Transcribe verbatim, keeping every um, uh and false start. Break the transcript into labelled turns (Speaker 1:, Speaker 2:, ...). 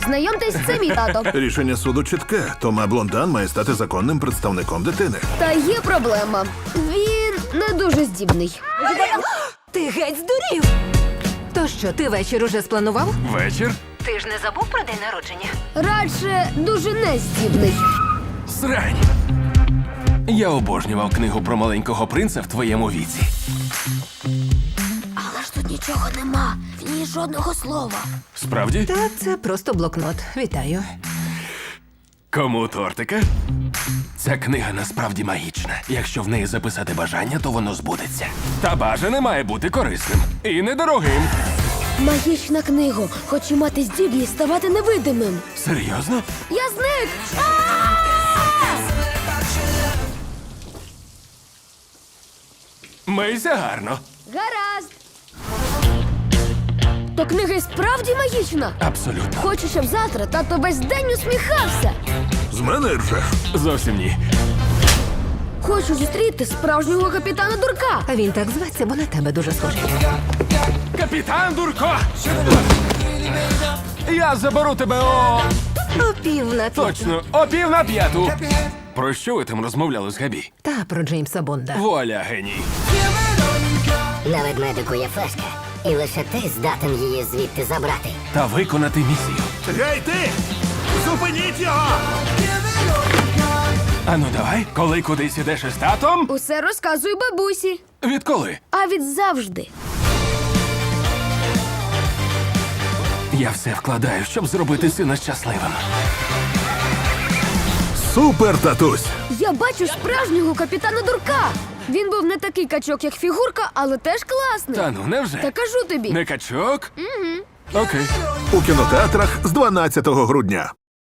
Speaker 1: Знайомтесь, це мій тато.
Speaker 2: Рішення суду чітке. Тома Блондан має стати законним представником дитини.
Speaker 1: Та є проблема. Він не дуже здібний.
Speaker 3: Ти геть здурів! То що, ти вечір уже спланував?
Speaker 4: Вечір?
Speaker 3: Ти ж не забув про день народження?
Speaker 1: Радше дуже нездібний.
Speaker 4: Срань. Я обожнював книгу про маленького принца в твоєму віці.
Speaker 1: Але ж тут нічого нема. В ній жодного слова.
Speaker 4: Справді?
Speaker 3: Та це просто блокнот. Вітаю.
Speaker 4: Кому тортика? Ця книга насправді магічна. Якщо в неї записати бажання, то воно збудеться. Та бажане має бути корисним і недорогим.
Speaker 1: Магічна книга. Хочу мати здібність ставати невидимим.
Speaker 4: Серйозно?
Speaker 1: Я зник!
Speaker 4: Мийся гарно.
Speaker 1: Гаразд. То книга і справді магічна.
Speaker 4: Абсолютно.
Speaker 1: Хочу, щоб завтра тато весь день усміхався.
Speaker 2: З мене ржеш.
Speaker 4: Зовсім ні.
Speaker 1: Хочу зустріти справжнього капітана Дурка.
Speaker 3: А він так зветься, бо на тебе дуже схожий.
Speaker 4: Капітан Дурко! Я заберу тебе о...
Speaker 3: О пів на п'яту.
Speaker 4: Точно, о пів на п'яту. Про що ви там розмовляли з Габі?
Speaker 3: Та про Джеймса Бонда.
Speaker 4: Вуаля, геній.
Speaker 5: На ведмедику є флешка, і лише ти здатен її звідти забрати.
Speaker 4: Та виконати місію.
Speaker 2: Гей, ти! Зупиніть його!
Speaker 4: Ану давай, коли кудись ідеш із татом?
Speaker 1: Усе розказую бабусі.
Speaker 4: Відколи?
Speaker 1: А від завжди.
Speaker 4: Я все вкладаю, щоб зробити сина щасливим.
Speaker 2: Супер, татусь!
Speaker 1: Я бачу справжнього капітана Дурка. Він був не такий качок, як фігурка, але теж класний.
Speaker 4: Та ну, невже?
Speaker 1: Та кажу тобі.
Speaker 4: Не качок? Угу. Окей.
Speaker 2: У кінотеатрах з дванадцятого грудня.